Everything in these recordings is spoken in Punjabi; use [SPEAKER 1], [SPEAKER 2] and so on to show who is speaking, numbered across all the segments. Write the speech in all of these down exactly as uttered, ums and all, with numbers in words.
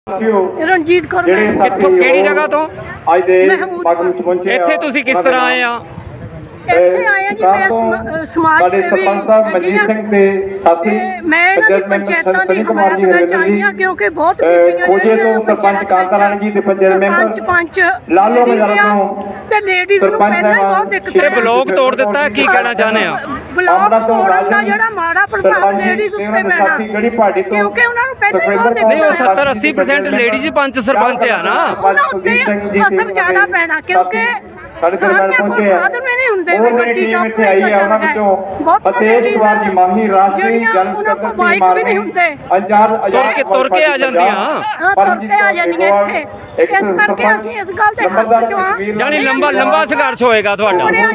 [SPEAKER 1] ਰਣਜੀਤ ਕੌਰ
[SPEAKER 2] ਕਿੱਥੋਂ ਕਿਹੜੀ ਜਗ੍ਹਾ ਤੋਂ
[SPEAKER 3] ਅੱਜ ਦੇ ਸਮਾਗਮ ਚ ਪਹੁੰਚੇ
[SPEAKER 2] ਇੱਥੇ ਤੁਸੀਂ ਕਿਸ ਤਰ੍ਹਾਂ ਆਏ ਆ?
[SPEAKER 1] ਇੱਥੇ ਆਏ ਆ ਜੀ ਮੈਂ ਸਮਾਜ ਸੇਵੀ
[SPEAKER 3] ਸਰਪੰਚ ਸਾਹਿਬ ਮਨਜੀਤ ਸਿੰਘ ਦੇ ਸਾਥੀ
[SPEAKER 1] ਮੈਂ ਇਹਨਾਂ ਦੀ ਪੰਚਾਇਤਾਂ ਦੀ ਹਮਾਇਤ ਵਿੱਚ ਆਈ ਹਾਂ ਕਿਉਂਕਿ ਬਹੁਤ
[SPEAKER 3] ਕੋਜੇ ਤੋਂ ਸਰਪੰਚ ਕਾਂਤਾ ਰਾਣੀ ਜੀ ਤੇ ਪੰਚਾਇਤ ਮੈਂਬਰ
[SPEAKER 1] ਸਰਪੰਚ ਪੰਚ
[SPEAKER 3] ਲਾਲੋ ਮਜਾਰਾ ਤੋਂ
[SPEAKER 1] ਤੇ ਲੇਡੀਜ਼ ਨੂੰ ਪਹਿਲਾਂ ਹੀ ਬਹੁਤ ਦਿੱਕਤ
[SPEAKER 2] ਇਹ ਬਲੌਕ ਤੋੜ ਦਿੱਤਾ, ਕੀ ਕਹਿਣਾ ਚਾਹੁੰਦੇ ਆ?
[SPEAKER 1] ਬਲੌਕ ਤੋੜਨ ਦਾ ਜਿਹੜਾ ਮਾੜਾ ਪ੍ਰਭਾਵ ਲੇਡੀਜ਼ ਉੱਤੇ ਪੈਣਾ ਕਿਉਂਕਿ ਉਹਨਾਂ ਨੂੰ ਪਹਿਲਾਂ ਹੀ ਬਹੁਤ ਦਿੱਕਤ
[SPEAKER 2] ਨਹੀਂ, ਉਹ ਸੱਤਰ ਅੱਸੀ ਪਰਸੈਂਟ ਲੇਡੀਜ਼ ਪੰਚ ਸਰਪੰਚ ਆ ਨਾ,
[SPEAKER 1] ਉਹਨਾਂ ਉੱਤੇ ਅਸਰ ਜ਼ਿਆਦਾ ਪੈਣਾ ਕਿਉਂਕਿ
[SPEAKER 3] ਸਾਡੇ ਦਰਬਾਰ ਪਹੁੰਚੇ ਆ
[SPEAKER 1] ਸਾਧਨ ਵੀ ਨਹੀਂ ਹੁੰਦੇ
[SPEAKER 3] ਉਹ ਜਿਹੜੀ ਟੀਮ ਇੱਥੇ ਆਈ ਹੈ ਉਹਨਾਂ ਵਿੱਚੋਂ ਫਤੇਸ਼ ਕੁਮਾਰ ਜੀ ਮਾਹੀ ਰਾਸ਼ਟਰੀ ਜਨ ਸਕੱਤਰ
[SPEAKER 1] ਬਾਈਕ ਵੀ ਨਹੀਂ ਹੁੰਦੇ
[SPEAKER 3] ਅਜਾਰ
[SPEAKER 2] ਤੁਰ ਕੇ ਤੁਰ ਕੇ ਆ ਜਾਂਦੀਆਂ
[SPEAKER 1] ਹਾਂ ਤੁਰ ਕੇ ਆ ਜਾਂਦੀਆਂ ਇੱਥੇ ਇਸ ਕਰਕੇ ਅਸੀਂ ਇਸ ਗੱਲ ਦੇ ਹੱਕ ਚ ਆ
[SPEAKER 2] ਜਾਨੀ ਲੰਬਾ ਲੰਬਾ ਸੰਘਰਸ਼ ਹੋਏਗਾ ਤੁਹਾਡਾ।
[SPEAKER 1] ਸੁਣਿਆ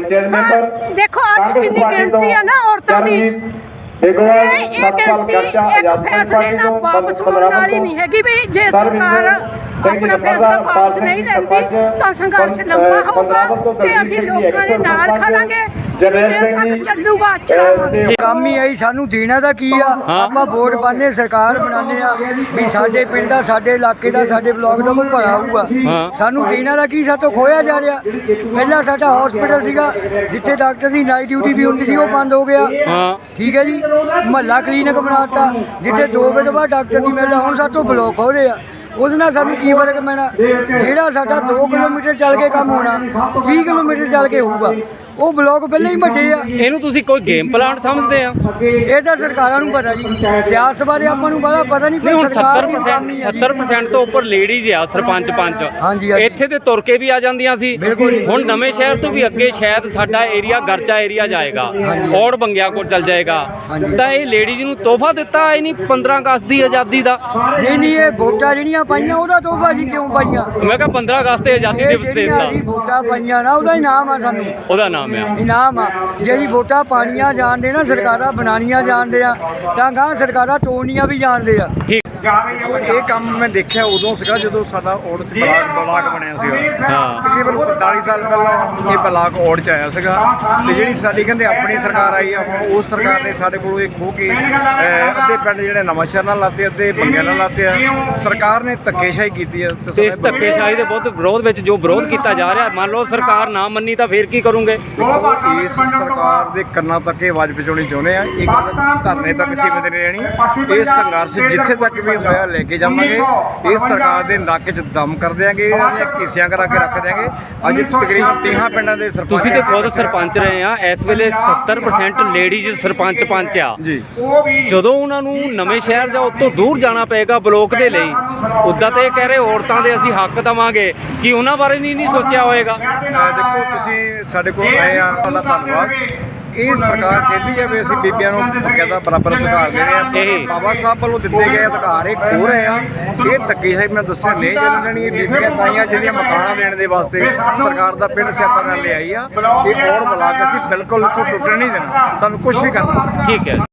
[SPEAKER 1] ਜਾਵੇ ਦੇਖੋ ਅੱਜ ਜਿੰਨੀ ਗਿਣਤੀ ਆ ਨਾ ਔਰਤਾਂ ਦੀ ਇਹ ਗਿਣਤੀ ਇੱਕ ਫੈਸਲੇ ਨਾਲ ਵਾਪਸ ਹੋਣ ਵਾਲੀ ਨਹੀਂ ਹੈਗੀ ਵੀ ਜੇ ਸਰਕਾਰ ਆਪਣਾ ਫੈਸਲਾ ਵਾਪਸ ਨਹੀਂ ਲੈਂਦੀ ਤਾਂ ਸੰਘਰਸ਼ ਲੰਬਾ ਹੋਊਗਾ ਤੇ ਅਸੀਂ ਲੋਕਾਂ ਦੇ ਨਾਲ ਖੜਾਂਗੇ ਜਿੰਨੀ ਦੇਰ ਤੱਕ ਚੱਲੂਗਾ ਚਲਾਵਾਂਗੇ।
[SPEAKER 4] ਕੰਮ ਹੀ ਆਈ ਸਾਨੂੰ ਦੇਣਾ ਦਾ ਕੀ ਆ, ਆਪਾਂ ਵੋਟ ਪਾਣੇ ਸਰਕਾਰ ਬਣਾਉਂਦੇ ਆ ਵੀ ਸਾਡੇ ਪਿੰਡ ਦਾ ਸਾਡੇ ਇਲਾਕੇ ਦਾ ਸਾਡੇ ਬਲਾਕ ਦਾ ਕੋਈ ਭਲਾ ਹੋਊਗਾ। ਸਾਨੂੰ ਦੇਣਾ ਦਾ ਕੀ, ਸਾਤੋਂ ਖੋਇਆ ਜਾ ਰਿਹਾ। ਪਹਿਲਾਂ ਸਾਡਾ ਹਸਪੀਟਲ ਸੀਗਾ ਜਿੱਥੇ ਡਾਕਟਰ ਦੀ ਨਾਈਟ ਡਿਊਟੀ ਵੀ ਹੁੰਦੀ ਸੀ, ਉਹ ਬੰਦ ਹੋ ਗਿਆ। ਠੀਕ ਹੈ ਜੀ, ਮਹੱਲਾ ਕਲੀਨਿਕ ਬਣਾਤਾ ਜਿੱਥੇ ਦੋ ਵਜੇ ਤੋਂ ਬਾਅਦ ਡਾਕਟਰ ਨਹੀਂ ਮਿਲਦਾ, ਹੁਣ ਸਾਤੋਂ ਬਲੌਕ ਹੋ ਰਹੇ ਆ। ਉਹਦੇ ਨਾਲ ਸਾਨੂੰ ਕੀ ਫਰਕ ਪੈਣਾ? ਜਿਹੜਾ ਸਾਡਾ ਦੋ ਕਿਲੋਮੀਟਰ ਚੱਲ ਕੇ ਕੰਮ ਹੋਣਾ ਵੀਹ ਕਿਲੋਮੀਟਰ ਚੱਲ ਕੇ ਹੋਊਗਾ, ਉਹ ਬਲੌਕ ਪਹਿਲਾਂ ਹੀ ਵੱਡੇ ਆ।
[SPEAKER 2] ਇਹਨੂੰ ਤੁਸੀਂ ਕੋਈ ਗੇਮ ਪਲਾਨ ਸਮਝਦੇ ਆ?
[SPEAKER 4] ਇਹ ਤਾਂ ਸਰਕਾਰਾਂ ਨੂੰ ਪਤਾ ਜੀ, ਸਿਆਸਤ ਬਾਰੇ ਆਪਾਂ ਨੂੰ ਬੜਾ ਪਤਾ ਨਹੀਂ।
[SPEAKER 2] ਹੁਣ ਸੱਤਰ ਪਰਸੈਂਟ ਸੱਤਰ ਪਰਸੈਂਟ ਤੋਂ ਉੱਪਰ ਲੇਡੀਜ਼ ਆ ਸਰਪੰਚ ਪੰਚ।
[SPEAKER 4] ਹਾਂਜੀ
[SPEAKER 2] ਇੱਥੇ ਤੇ ਤੁਰ ਕੇ ਵੀ ਆ ਜਾਂਦੀਆਂ ਸੀ। ਹੁਣ ਨਵੇਂ ਸ਼ਹਿਰ ਤੋਂ ਵੀ ਅੱਗੇ ਸ਼ਾਇਦ ਸਾਡਾ ਏਰੀਆ ਗਰਚਾ ਏਰੀਆ ਜਾਏਗਾ, ਔੜ ਬੰਗਿਆ ਕੋਲ ਚੱਲ ਜਾਏਗਾ, ਤਾਂ ਇਹ ਲੇਡੀਜ਼ ਨੂੰ ਤੋਹਫਾ ਦਿੱਤਾ ਇਹ ਨਹੀਂ ਪੰਦਰਾਂ ਅਗਸਤ ਦੀ ਆਜ਼ਾਦੀ ਦਾ?
[SPEAKER 4] ਨਹੀਂ ਨਹੀਂ, ਇਹ ਵੋਟਾਂ ਜਿਹੜੀਆਂ ਪਾਈਆਂ ਉਹਦਾ ਤੋਹਫਾ ਜੀ ਕਿਉਂ ਪਾਈਆਂ?
[SPEAKER 2] ਮੈਂ ਕਿਹਾ ਪੰਦਰਾਂ ਅਗਸਤ ਤੇ ਆਜ਼ਾਦੀ ਦਿਵਸ ਦੇ ਦਿੱਤਾ।
[SPEAKER 4] ਅਸੀਂ ਵੋਟਾਂ ਪਾਈਆਂ ਨਾ, ਉਹਦਾ ਇਨਾਮ ਆ ਸਾਨੂੰ,
[SPEAKER 2] ਉਹਦਾ ਨਾਮ ਆ
[SPEAKER 4] ਇਨਾਮ ਆ। ਜੇ ਅਸੀਂ ਵੋਟਾਂ ਪਾਣੀਆਂ ਜਾਣਦੇ ਨਾ, ਸਰਕਾਰਾਂ ਬਣਾਉਣੀਆਂ ਜਾਣਦੇ ਆ, ਤਾਂ ਗਾਂ ਸਰਕਾਰਾਂ ਤੋੜਨੀਆਂ ਵੀ ਜਾਣਦੇ ਆ।
[SPEAKER 5] ਇਹ ਕੰਮ ਮੈਂ ਦੇਖਿਆ ਉਦੋਂ ਸੀਗਾ ਜਦੋਂ ਸਾਡਾ ਔੜ ਚ ਬਲਾਕ ਬਲਾਕ ਬਣਿਆ ਸੀਗਾ।
[SPEAKER 2] ਹਾਂ,
[SPEAKER 5] ਤਕਰੀਬਨ ਪੰਤਾਲੀ ਸਾਲ ਪਹਿਲਾਂ ਇਹ ਬਲਾਕ ਔੜ ਚ ਆਇਆ ਸੀਗਾ ਤੇ ਜਿਹੜੀ ਸਾਡੀ ਕਹਿੰਦੇ ਆਪਣੀ ਸਰਕਾਰ ਆਈ ਆ, ਹੁਣ ਉਸ ਸਰਕਾਰ ਨੇ ਸਾਡੇ ਕੋਲੋਂ ਇਹ ਖੋਹ ਕੇ ਅੱਧੇ ਪਿੰਡ ਜਿਹੜੇ ਨਵਾਂ ਸ਼ਹਿਰ ਨਾਲ ਲਾਤੇ, ਅੱਧੇ ਬੰਗਿਆਂ ਨਾਲ ਲਾਤੇ ਆ। ਸਰਕਾਰ ਨੇ ਧੱਕੇਸ਼ਾਹੀ ਕੀਤੀ ਆ
[SPEAKER 2] ਤੇ ਇਸ ਧੱਕੇਸ਼ਾਹੀ ਦੇ ਬਹੁਤ ਵਿਰੋਧ ਵਿੱਚ ਜੋ ਵਿਰੋਧ ਕੀਤਾ ਜਾ ਰਿਹਾ, ਮੰਨ ਲਓ ਸਰਕਾਰ ਨਾ ਮੰਨੀ ਤਾਂ ਫੇਰ ਕੀ ਕਰੋਗੇ?
[SPEAKER 5] ਇਸ ਸਰਕਾਰ ਦੇ ਕੰਨਾਂ ਤੱਕ ਇਹ ਆਵਾਜ਼ ਪਹੁੰਚਾਉਣੀ ਚਾਹੁੰਦੇ ਆ। ਇਹ ਧਰਨੇ ਤੱਕ ਸੀਮਿਤ ਨਹੀਂ ਰਹਿਣੀ। ਇਹ ਸੰਘਰਸ਼ ਜਿੱਥੇ ਤੱਕ ਵੀ ਹੋਇਆ ਲੈ ਕੇ ਜਾਵਾਂਗੇ। ਇਸ ਸਰਕਾਰ ਦੇ ਨੱਕ 'ਚ ਦਮ ਕਰ ਦਿਆਂਗੇ, ਇਹਦੀਆਂ ਕੀਸੀਆਂ ਕਰਾ ਕੇ ਰੱਖ ਦਿਆਂਗੇ। ਅੱਜ ਤਕਰੀਬਨ ਤੀਹਾਂ ਪਿੰਡਾਂ ਦੇ ਸਰਪੰਚ,
[SPEAKER 2] ਤੁਸੀਂ ਤੇ ਖੁਦ ਸਰਪੰਚ ਰਹੇ ਆ, ਇਸ ਵੇਲੇ ਸੱਤਰ ਪਰਸੈਂਟ ਲੇਡੀਜ਼ ਸਰਪੰਚ ਪੰਚ ਆ ਜੀ। ਜਦੋਂ ਉਹਨਾਂ ਨੂੰ ਨਵੇਂ ਸ਼ਹਿਰ ਜਾਂ ਉਤੋਂ ਦੂਰ ਜਾਣਾ ਪਏਗਾ ਬਲੋਕ ਦੇ ਲਈ, ਉੱਦਾਂ ਤਾਂ ਇਹ ਕਹਿ ਰਹੇ ਔਰਤਾਂ ਦੇ ਅਸੀਂ ਹੱਕ ਦੇਵਾਂਗੇ, ਕਿ ਉਹਨਾਂ ਬਾਰੇ ਨਹੀਂ ਨਹੀਂ ਸੋਚਿਆ ਹੋਏਗਾ?
[SPEAKER 5] ਦੇਖੋ ਤੁਸੀਂ ਸਾਡੇ ਕੋਲ ਆਏ ਆ, ਤੁਹਾਡਾ ਧੰਨਵਾਦ। ਇਹ ਸਰਕਾਰ ਕਹਿੰਦੀ ਹੈ ਵੀ ਅਸੀਂ ਬੀਬੀਆਂ ਨੂੰ ਬਕਾਇਦਾ ਬਰਾਬਰ ਅਧਿਕਾਰ ਦੇ ਰਹੇ ਆ। ਬਾਬਾ ਸਾਹਿਬ ਵੱਲੋਂ ਦਿੱਤੇ ਗਏ ਅਧਿਕਾਰ ਇਹ ਖੋਹ ਰਹੇ ਆ। ਇਹ ਧੱਕੇਸ਼ਾਹੀ ਮੈਂ ਦੱਸਿਆ ਨਹੀਂ ਚੱਲਣੀ। ਬੀਬੀਆਂ ਤਾਈਆਂ ਜਿਹੜੀਆਂ ਮਕਾਨਾਂ ਦੇਣ ਦੇ ਵਾਸਤੇ ਸਰਕਾਰ ਦਾ ਪਿੰਡ ਸਿਆਪਾ ਕਰ ਲਿਆਈ ਆ। ਇਹ ਔੜ ਬਲਾਕ ਅਸੀਂ ਬਿਲਕੁਲ ਇੱਥੋਂ ਟੁੱਟਣ ਨਹੀਂ ਦੇਣਾ, ਸਾਨੂੰ ਕੁਝ ਵੀ ਕਰਨਾ।
[SPEAKER 2] ਠੀਕ ਹੈ।